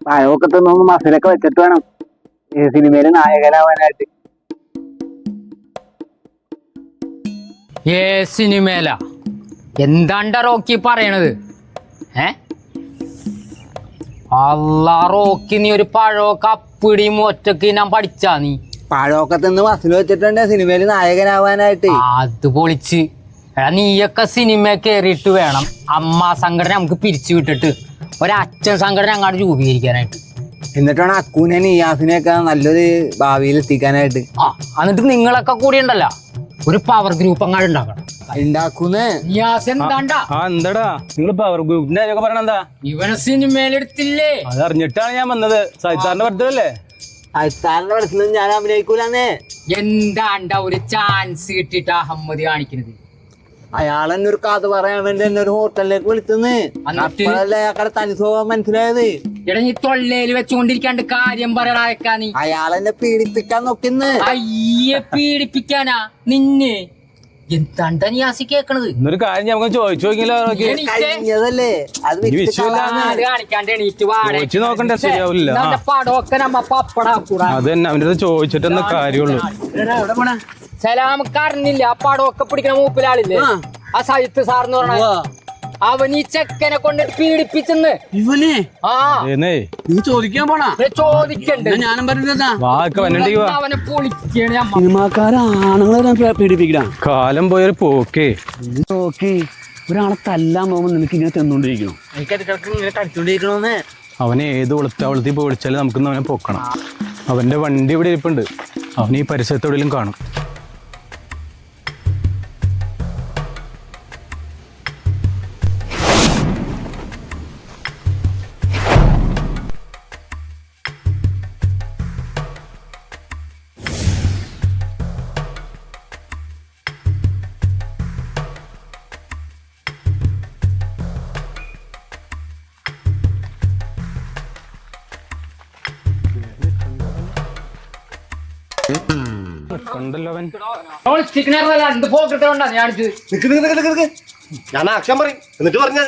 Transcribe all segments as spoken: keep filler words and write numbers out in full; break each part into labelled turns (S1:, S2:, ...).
S1: പഴമൊക്കെ തിന്നൊന്ന് മസിലൊക്കെ വെച്ചിട്ട് വേണം സിനിമയില് നായകനാവാനായിട്ട്.
S2: ഏ സിനിമേല എന്താണ്ട റോക്കി പറയണത്? ഏ അല്ലാ റോക്കി, നീ ഒരു പഴമൊക്കെ അപ്പിടിയും ഒറ്റക്ക് ഞാൻ പഠിച്ചാ? നീ
S1: പഴമൊക്കെ തിന്ന് മസിൽ വെച്ചിട്ടുണ്ട് സിനിമയില് നായകനാവാനായിട്ട്.
S2: അത് പൊളിച്ച് എടാ, നീയൊക്കെ സിനിമ കയറിയിട്ട് വേണം അമ്മ സംഘടന നമുക്ക് പിരിച്ചു വിട്ടിട്ട് ഒരച്ഛൻ സംഘടന അങ്ങോട്ട് രൂപീകരിക്കാനായിട്ട്.
S1: എന്നിട്ടാണ് അക്കൂനെ നിയാസിനെയൊക്കെ നല്ലൊരു ഭാവിയിൽ എത്തിക്കാനായിട്ട്.
S2: ആ എന്നിട്ട് നിങ്ങളൊക്കെ കൂടി ഉണ്ടല്ലോ ഒരു പവർ ഗ്രൂപ്പ് അങ്ങോട്ട് ഉണ്ടാക്കണം.
S1: ഉണ്ടാക്കുന്നേ
S3: എന്താടാ നിങ്ങൾ പവർ ഗ്രൂപ്പിന്റെ കാര്യമൊക്കെ പറയണ എന്താ?
S2: ഇവനെ സിനിമയിലെടുത്തില്ലേ?
S3: അതറിഞ്ഞിട്ടാണ് ഞാൻ വന്നത്. സൈത്താറിന്റെ ബർത്ത്ഡേ
S1: അയത്താറിന്റെ മനസ്സിലും ഞാൻ അഭിനയിക്കൂലെന്നേ.
S2: എന്താണ്ട ഒരു ചാൻസ് കിട്ടിട്ട് അഹമ്മദ് കാണിക്കുന്നത്?
S1: അയാളെന്നെ ഒരു കഥ പറയാൻ വേണ്ടി എന്നെ ഒരു ഹോട്ടലിലേക്ക് വിളിച്ചെന്ന്. അപ്പോഴല്ലേ അയാളുടെ തനി സ്വഭാവം മനസ്സിലായത്.
S2: എടാ, നീ തൊള്ളേല് വെച്ചുകൊണ്ടിരിക്കാണ്ട് കാര്യം പറയടാ. നീ
S1: അയാളെന്നെ പീഡിപ്പിക്കാൻ നോക്കിന്ന്.
S2: അയ്യെ, പീഡിപ്പിക്കാനാ നിന്നെ? എന്താണ്ടാ നീ ആസി കേക്കണത്?
S3: എന്നൊരു കാര്യം നമുക്ക് ചോദിച്ചു നോക്കിയല്ലോ.
S1: കഴിഞ്ഞതല്ലേ അത്
S2: കാണിക്കാണ്ട് എണീറ്റ് വാടക
S3: നോക്കണ്ടേ? ശരിയാവില്ല.
S2: പടമൊക്കെ നമ്മ പപ്പടാക്കൂടാ.
S3: അത് തന്നെ അവന്റെ അടുത്ത് ചോദിച്ചിട്ടെന്ന കാര്യമുള്ളൂ.
S2: സലാമക്ക് അറിഞ്ഞില്ല ആ പടമൊക്കെ പിടിക്കണ മൂപ്പിലാളില്ലേ, ആ സജിത്ത് സാർന്ന് പറഞ്ഞ അവൻ ഈ ചെക്കനെ കൊണ്ടിട്ട് പീഡിപ്പിച്ചെന്ന്.
S4: ഇവനെ
S2: ആ
S4: നീ ചോദിക്കാൻ പോണാ?
S2: ചോദിക്കണ്ട്.
S4: ഞാനും പറഞ്ഞ
S2: അവനെ പൊളിക്കാണ്.
S4: സിനിമാക്കാരെ ആണുങ്ങളെ പീഡിപ്പിക്കണം.
S3: കാലം പോയൊരു പോക്കേ.
S4: നോക്കി ഒരാളെ തല്ലാൻ പോകുമ്പോ നിനക്ക് ഇങ്ങനെ തിന്നോണ്ടിരിക്കണം.
S1: ഇങ്ങനെ കളിച്ചോണ്ടിരിക്കണോന്ന്.
S3: അവനെ ഏത് ഒളുത്താവളത്തി പോയി വിളിച്ചാലും നമുക്കിന്ന് അവനെ പൊക്കണം. അവന്റെ വണ്ടി ഇവിടെ ഇരിപ്പുണ്ട്. അവൻ ഈ പരിസരത്തെവിടെയും കാണും. കണ്ടല്ലോ അവൻ.
S5: ഞാൻ ആക്ഷൻ പറയും, എന്നിട്ട് പറഞ്ഞാ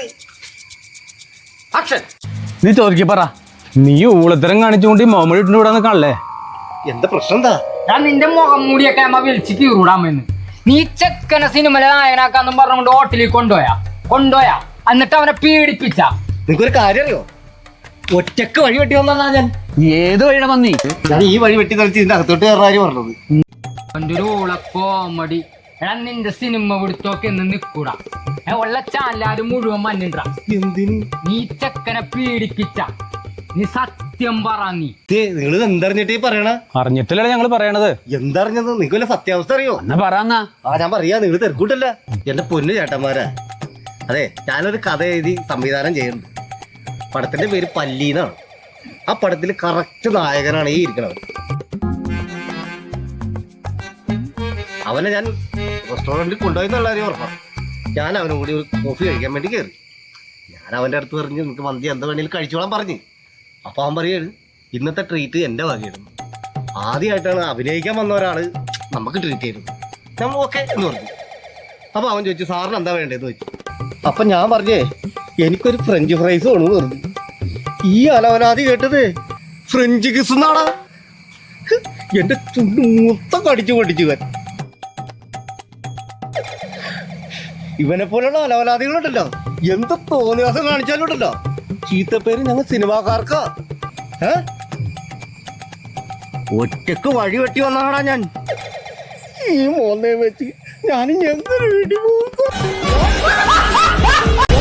S3: നീ ചോദിക്ക പറ. നീ ഊളത്തരം കാണിച്ചുകൊണ്ട് മോമഡി ഇട്ടുണ്ട് ഇവിടെ നിൽക്കാണല്ലേ?
S5: എന്താ പ്രശ്നം? എന്താ
S2: ഞാൻ നിന്റെ മുഖം മൂടിയൊക്കെ അമ്മ വിളിച്ച് കീറൂടാമെന്ന്. നീ ചെക്കനെ സിനിമയിലെ നായകനാക്കാന്നും പറഞ്ഞുകൊണ്ട് ഹോട്ടലിൽ കൊണ്ടുപോയാ കൊണ്ടുപോയാ എന്നിട്ട് അവനെ പീഡിപ്പിച്ച.
S5: നിനക്കൊരു കാര്യം അറിയോ? ഒറ്റക്ക് വഴി വെട്ടി വന്നാ ഞാൻ.
S4: ഏത് വഴിയുടെ പന്നി?
S5: ഞാൻ ഈ വഴി വെട്ടി തളിച്ച് ഇതിന്റെ അകത്തോട്ട് കയറാൻ പറഞ്ഞത്.
S2: അവന്റെ ഒരു ഊള കോമഡി. എടാ, നിന്റെ സിനിമ പിടുത്തൊക്കെ എന്ന് നിക്കൂടാ. ഉള്ള ചാലാരും മുഴുവൻ മഞ്ഞിണ്ടാ.
S5: എന്തിന്
S2: നീ ചെക്കനെ പീഡിപ്പിച്ച? നീ സത്യം പറ. നീ
S5: നിങ്ങൾ എന്തറിഞ്ഞിട്ട് പറയണ?
S3: അറിഞ്ഞിട്ടല്ലേ ഞങ്ങള് പറയണത്.
S5: എന്തറിഞ്ഞത്? നിങ്ങൾക്ക് വല്ല സത്യാവസ്ഥ അറിയോ?
S4: എന്നാ പറയാന്നാ.
S5: ആ ഞാൻ പറയാ, നിങ്ങൾ തിരക്കൂട്ടല്ല എന്റെ പൊന്നു ചേട്ടന്മാരാ. അതെ, ഞാനൊരു കഥ എഴുതി സംവിധാനം ചെയ്യുന്നുണ്ട്. പടത്തിന്റെ പേര് പല്ലീന്നാണ്. ആ പടത്തിൽ കറക്റ്റ് നായകനാണ് ഈ ഇരിക്കണത്. അവനെ ഞാൻ റെസ്റ്റോറൻറ്റിൽ കൊണ്ടുപോയി എന്നുള്ള കാര്യം ഉറപ്പാണ്. ഞാൻ അവനും കൂടി ഒരു കോഫി കഴിക്കാൻ വേണ്ടി കയറി. ഞാൻ അവൻ്റെ അടുത്ത് പറഞ്ഞ് നിനക്ക് മന്തി എന്താ വേണമെങ്കിലും കഴിച്ചോളാൻ പറഞ്ഞ്. അപ്പോൾ അവൻ പറയുകയാണ് ഇന്നത്തെ ട്രീറ്റ് എൻ്റെ വകയായിരുന്നു. ആദ്യമായിട്ടാണ് അഭിനയിക്കാൻ വന്ന ഒരാൾ നമുക്ക് ട്രീറ്റ് ചെയ്തത്. നമ്മൾ ഓക്കെ എന്ന് പറഞ്ഞു. അപ്പോൾ അവൻ ചോദിച്ചു സാറിന് എന്താ വേണ്ടതെന്ന് ചോദിച്ചു. അപ്പം ഞാൻ പറഞ്ഞേ എനിക്കൊരു ഫ്രഞ്ച് ഫ്രൈസ് വേണമെന്ന് പറഞ്ഞു. ഈ അലവലാതി കേട്ടത് ഫ്രഞ്ച് കിസ് എന്നാടാ. എൻ്റെ ചുണ്ട് മൊത്തം കടിച്ചു പൊടിച്ചു. ഇവൻ ഇവനെ പോലുള്ള അലവലാദികളുണ്ടല്ലോ, എന്ത് തോന്നിയാസം കാണിച്ചാലും ഉണ്ടല്ലോ ചീത്തപ്പേര് ഞങ്ങൾ സിനിമാക്കാർക്കാ. ഏ ഒറ്റക്ക് വഴി വെട്ടി വന്നാടാ ഞാൻ. ഈ മോനെ വെച്ച് ഞാനും എന്തൊരു വീട്ടിൽ പോകും.